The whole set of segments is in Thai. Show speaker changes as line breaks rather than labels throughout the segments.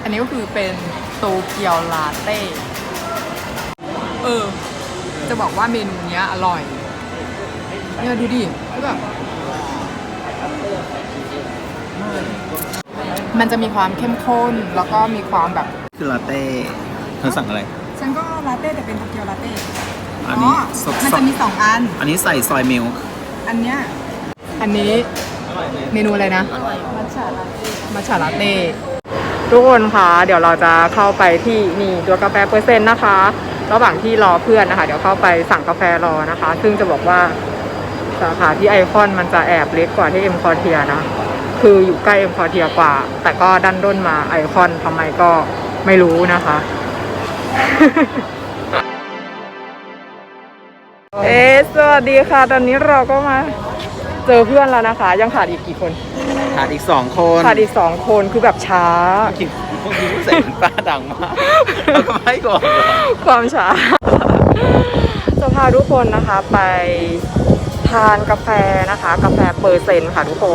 นนี้ก็คือเป็นโตเกียวลาเต้จะบอกว่าเมนูเนี้ยอร่อยเนี่ยดูดิคือแบบมันจะมีความเข้มข้นแล้วก็มีความแบบ
คือลาเต้เธอสั่งอะไร
ฉันก็ลาเต้แต่เป็นโตเกียวลาเต้
อันนี้
มันจะมี2อัน
อันนี้ใส่ซอยมิลค์
อันนี้เมนูอะไรนะมัทฉะลาเต้ทุกคนคะเดี๋ยวเราจะเข้าไปที่นี่ตัวกาแฟเปอร์เซ็นต์นะคะระหว่างที่รอเพื่อนนะคะเดี๋ยวเข้าไปสั่งกาแฟรอนะคะซึ่งจะบอกว่าสาขาที่ไอคอนมันจะแอบเล็กกว่าที่เอ็มคอเทียนะคืออยู่ใกล้เอ็มคอเทียกว่าแต่ก็ดันด้นมาไอคอนทำไมก็ไม่รู้นะคะ สวัสดีค่ะตอนนี้เราก็มาเจอเพื่อนแล้วนะคะยังขาดอีกกี่คน
ขาดอีก2 คน
คือแบบช้า
พวกนี้เสียงตาดังมากแล้วก็ไม่ก่อน
ความช้าจะพาทุกคนนะคะไปทานกาแฟนะคะกาแฟเปอร์เซ็นต์ค่ะทุกคน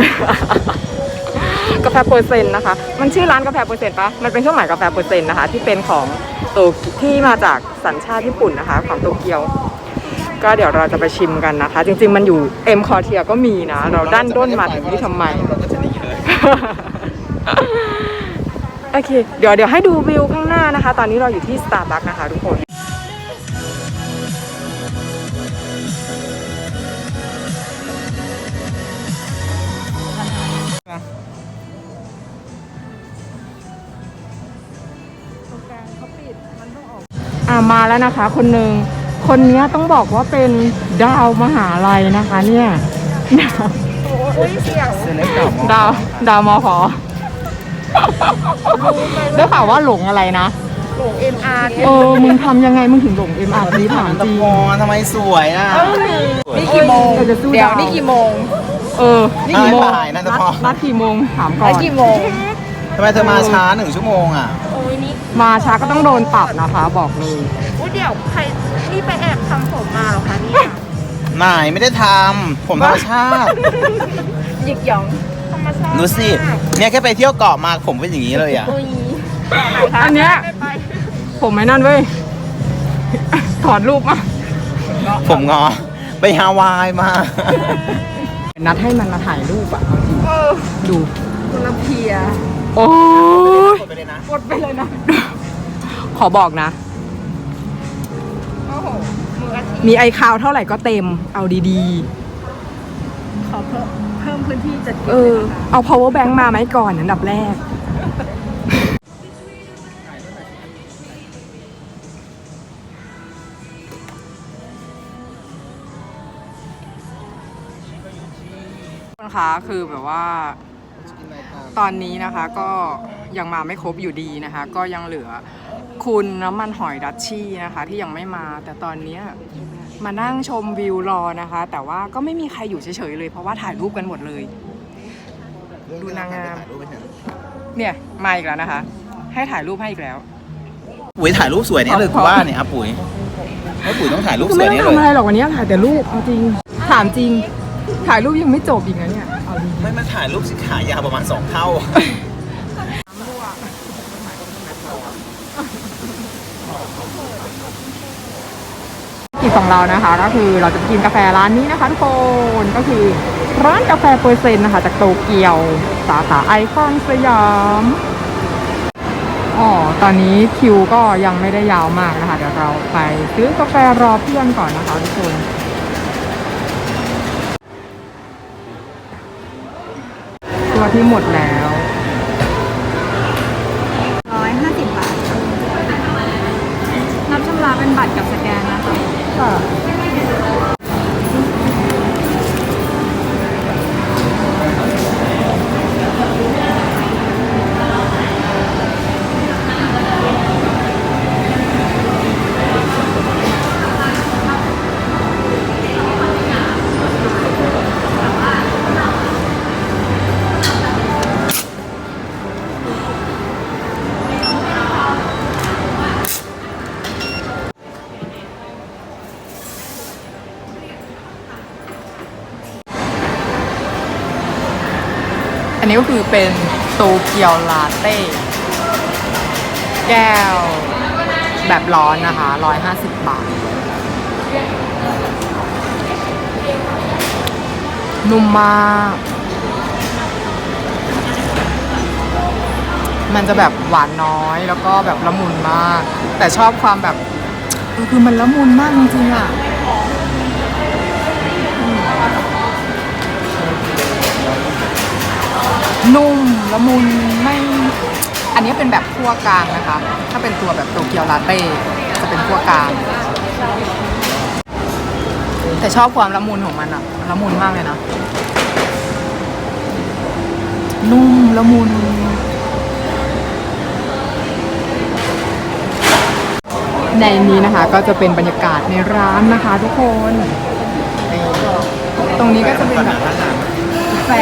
กาแฟเปอร์เซ็นต์นะคะมันชื่อร้านกาแฟเปอร์เซ็นต์ปะมันเป็นเครื่องหมายกาแฟเปอร์เซ็นต์นะคะที่เป็นของที่มาจากสัญชาติญี่ปุ่นนะคะของโตเกียวก็เดี๋ยวเราจะไปชิมกันนะคะจริงๆมันอยู่เอ็มคอเทียก็มีนะเราดันด้นมาถึงที่ทำไมโอเคเดี๋ยวให้ดูวิวข้างหน้านะคะตอนนี้เราอยู่ที่ Starbucks นะคะทุกคนมาแล้วนะคะคนหนึ่งคนนี้ต้องบอกว่าเป็นดาวมหาลัยนะคะเนี่ยดาวมขได้ข่าวว่าหลงอะไรนะหลง MR มึงทำยังไงมึงถึงหลง MR นี้ถามจริง
ทำไมสวยอ่ะ
นี่กี่โมงเดี๋ยวนี่กี่โมงนี่กี่โมงนัดกี่โมงถามก่อนกี่โมง
ทำไมเธอมาช้า1 ชั่วโมงอ่ะ
มาช้าก็ต้องโดนปรับนะคะบอกเลย
เดี๋ยวใครนี่ไปแอบทำผมมาเหรอคะเนี่ย
ไม่ได้ทำผมธรรมชาติ
หยิกหยองธรรมชาติ
ดูสิเนี่ยแค่ไปเที่ยวเกาะมาผมเป็นอย่างนี้เลยอ่ะ
อันเนี้ยผมไม่นั่นเว้ยถอดรูปมา
ผมงอไปฮาวายมา
นัดให้มันมาถ่ายรูปอ่ะดู
คนละเพีย
โอ้ย
กดไปเลยนะ
ขอบอกนะมีไอคาวเท่าไหร่ก็เต็มเอาดี
ๆขอเพิ่มพื้นที่จัดเก็บ
เอา power bank มาไหมก่อนอันดับแรกนะคะคือแบบว่าตอนนี้นะคะก็ยังมาไม่ครบอยู่ดีนะคะก็ยังเหลือคุณน้ำมันหอยดัชชี่นะคะที่ยังไม่มาแต่ตอนนี้มานั่งชมวิวรอนะคะแต่ว่าก็ไม่มีใครอยู่เฉยๆเลยเพราะว่าถ่ายรูปกันหมดเลยดูนางงามเนี่ยมาอีกแล้วนะคะให้ถ่ายรูปให้อีกแล้ว
ปุ๋ยถ่ายรูปสวยเนี่ยเลยกูว่าเนี่ยปุ๋ยต้องถ่ายรูปสวยเนี่ยเลย
ไม่ต้องทำอะไรหรอกวันนี้ถ่ายแต่รูปเอาจริงถามจริงถ่ายรูปยังไม่จบอีกนะเนี่ย
ไม่มาถ่ายรูปสิขายาวประมาณ2 เท่า
กิจของเรานะคะก็คือเราจะกินกาแฟร้านนี้นะคะทุกคนก็คือร้านกาแฟเปอร์เซ็นต์นะคะจากโตเกียวสาขาไอคอนสยามตอนนี้คิวก็ยังไม่ได้ยาวมากนะคะเดี๋ยวเราไปซื้อกาแฟรอเพื่อนก่อนนะคะทุกคนตัวที่หมดแล้ว
150 บาทนับชำระเป็นบัตรกับสแกนนะคะค่ะ
อันนี้ก็คือเป็นโตเกียวลาเต้แก้วแบบร้อนนะคะ150 บาท นุ่มมาก มันจะแบบหวานน้อยแล้วก็แบบละมุนมาก แต่ชอบความแบบคือมันละมุนมากจริงๆอ่ะนุ่มละมุนไม่อันนี้เป็นแบบคั่วกลางนะคะถ้าเป็นตัวแบบโตเกียวลาเต้จะเป็นคั่วกลางแต่ชอบความละมุนของมันอะละมุนมากเลยนะนุ่มละมุนในนี้นะคะก็จะเป็นบรรยากาศในร้านนะคะทุกคนตรงนี้ก็จะเป็นแบบกาแฟ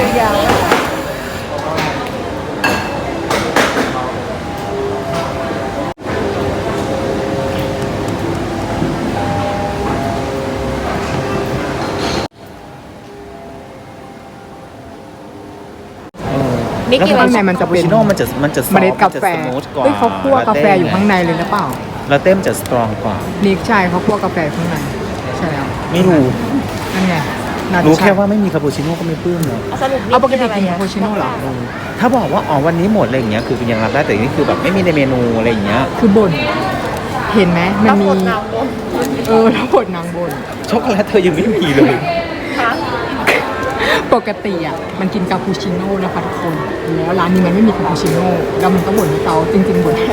แล้วข้างในมันจะเป็น
คาปูชิโน่มันจะ
เมล็ดกาแฟ
สมูทกว่า
เฮ้ยเขาคั่วกาแฟอยู่ข้างในเลยหรือเปล่า
แล้วเต้มจะสตรองกว่า
นิกใช่เขาคั่วกาแฟข้างในใช่แล้ว
ไม่รู้
นั่นไงน่จะ
รู้
ใช่
แค่ว่าไม่มีคาปูชิโน่ก็ไม่ปลื้มเลย
สรุป
เอาปกติกินคาปูชิโน่เหรอ
ถ้าบอกว่าอ๋อวันนี้หมดอะไรอย่างเงี้ยคือยังรับได้แต่นี่คือแบบไม่มีในเมนูอะไรอย่างเงี้ย
คือบ่นเห็นไหมมันมีแล้วบดนางบ่น
ช็อกโกแลตเธอยังไม่มีเลย
ปกติอ่ะมันกินคาปูชิโน่นะคะทุกคนแล้วร้านนี้มันไม่มีคาปูชิโน่แล้วมันก็บ่นให้เขาจริงๆบ่นให้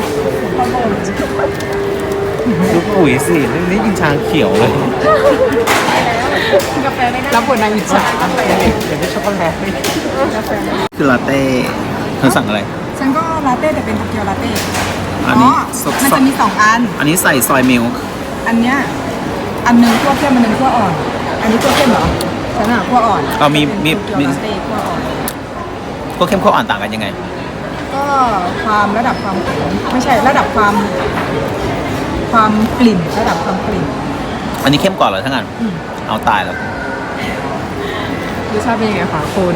ดูปุ๋ยสิเรื่องนี้กินชาเขียวเลย
กาแฟไม่ได้
แล้วบ่นนางอิจฉา
อยากได้ช็อกโกแลตคือลาเต้เธอสั่งอะไร
ฉันก็ลาเต้แต่เป็นโตเกียวลาเต้
อันนี้สด
มันจะมี2 อัน
อันนี้ใส่ซอยมิลค์
อันเนี้ยอันหนึงคั่วเข้มอันหนึงคั่วอ่อน อันนี้คั่วเข้มเหรอฉันอ่ะคั่วอ่อน
เอามี
เป็นโตเกียวลาเต้คั่วอ่อน
พวกเข้มข้นอ่อนต่างกันยังไง
ก็ความระดับความขมไม่ใช่ระดับความกลิ่นระดับความกลิ่น
อันนี้เข้มกว่าเหรอทั้งนั้น
อืม
เอาตายแล้ว
รสชาติเป็นยังไงคะคุณ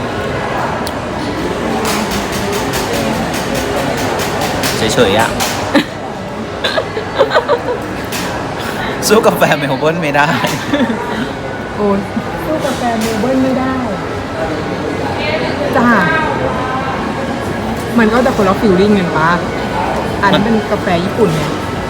เฉยๆอ่ะ สู้กาแฟเมลเบิร์นไม่ได้
โอ้ยสู้กาแฟเมลเบิร์นไม่ได้จ้ามันก็จะคนละฟิลลิ่งกันปะอันนี้เป็นกาแฟญี่ปุ่นไง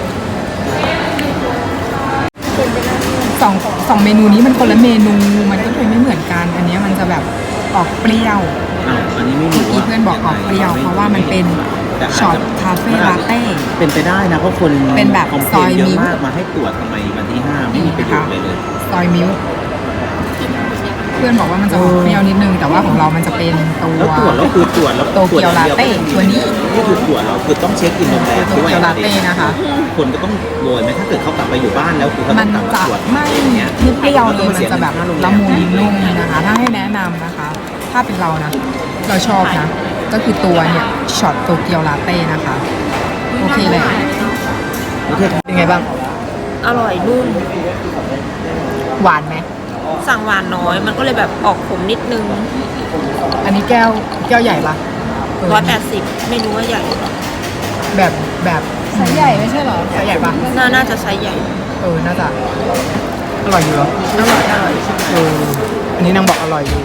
สองเมนูนี้มันคนละเมนูมันก็เลยไม่เหมือนกัน อันนี้มันจะแบบออกเปรี้ยว
อันนี้ไม่มี
เมื่อกี้เพื่อนบอกออกเปรี้ยวเพราะว่ามันเป็นช็อตคาเฟ่ลาเต้
เป็นไปได้นะเพราะคน
เป็นแบบ
คอมเพ
ซ
ล
อน ย
เยอะ
มิ้ว
มากมาให้ตรวจทำไมวันที่ 5 ไม่มีประโยชน์เลย
ซอยมิลค์เพื่อนบอกว่ามันจะออกเปรี้ยวนิดนึง แต่ว่าของเรามันจะเป็นตัว
แล้วตรวจแล้วคือตรวจแล้ว
โตเกียวลาเต้ตัวนี้
นี่คือตรวจแล้วคือต้องเช็คอินโรงแรม
โตเกียวลาเต้นะคะ
คนก็ต้องโรยไหมถ้าเกิดเขากลับไปอยู่บ้านแล้วคือเขา
มั
ต้อน งกลับมา
จะ
ตรวจ
ไม่
อย่างเงี้ย
เปรี้ยวเลยมันจะแบบละมุนนุ่มนะคะ ถ้าให้แนะนำนะคะ ถ้าเป็นเรานะ เราชอบนะ ก็คือตัวเนี่ยช็อตโตเกียวลาเต้นะคะ โอเคเลย
โอเค
เป็นไงบ้าง
อร่อยนุ่ม
หวานไหม
สั่งหวานน้อย มันก็เลยแบบออกขมนิดนึง
อันนี้แก้วใหญ่ปะเออ
180ไม่รู้ว่าใหญ่หรือเปล่า
แบบไซส์ใหญ่ไม่ใช่เหรอไซส์ใหญ่ปะ
น่าจะไซส์ใหญ่
น่าจะอร่อยอยู่เหรอ
อร่อย
อันนี้นางบอกอร่อยอยู่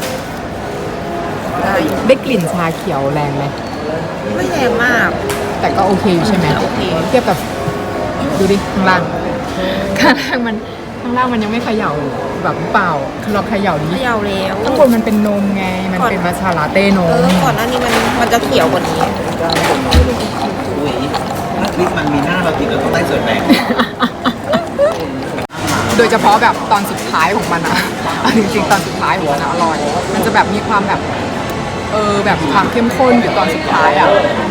ได้อยู่
ได้กลิ่นชาเขียวแรงไหม
ไม่แรงมาก
แต่ก็โอเคอยู่ใช่ไหม
โอเค
เทียบกับดูดิข้างล่างข้างล่างมันยังไม่เขย่าแบบเปล่าคือเราเขย่าดิ
เขย่าแล้ว
ข้างบนมันเป็นนมไงมันเป็นมัทฉะลาเต้นม
ก่อนหน้านี้มันจะเขียวกว่านี้
อุ้ยถ้าคลิปมันมีหน้าเราติดแล้วต้องได้ส่วนแบ่ง
โดยเฉพาะแบบตอนสุดท้ายของมันอะจริงๆตอนสุดท้ายของมันอะอร่อย มันจะแบบมีความแบบแบบความเข้มข้นอยู่ตอนสุดท้ายอะ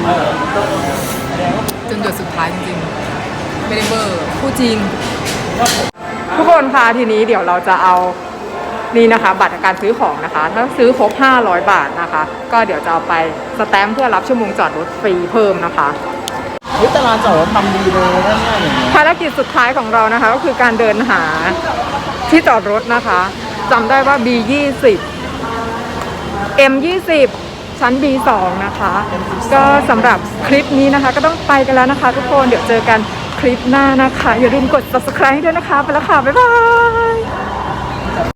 จนหยดสุดท้ายจริงๆไม่ได้เบอร์พูดจริง ทุกคนคะทีนี้เดี๋ยวเราจะเอานี่นะคะ บัตรการซื้อของนะคะ ถ้าซื้อครบ500 บาทนะคะ ก็เดี๋ยวจะเอาไปสแตมป์เพื่อรับชั่วโมงจอดรถฟรีเพิ่มนะคะ
ตลาดจอดรถทำดีเลยง่ายๆอย่างเงี้ย
ภารกิจสุดท้ายของเรานะคะ ก็คือการเดินหาที่จอดรถนะคะจำได้ว่า B20 M20 ชั้น B2 นะคะ ก็สำหรับคลิปนี้นะคะก็ต้องไปกันแล้วนะคะทุกคนเดี๋ยวเจอกันคลิปหน้านะคะอย่าลืมกด subscribe ด้วยนะคะไปแล้วค่ะบ๊ายบาย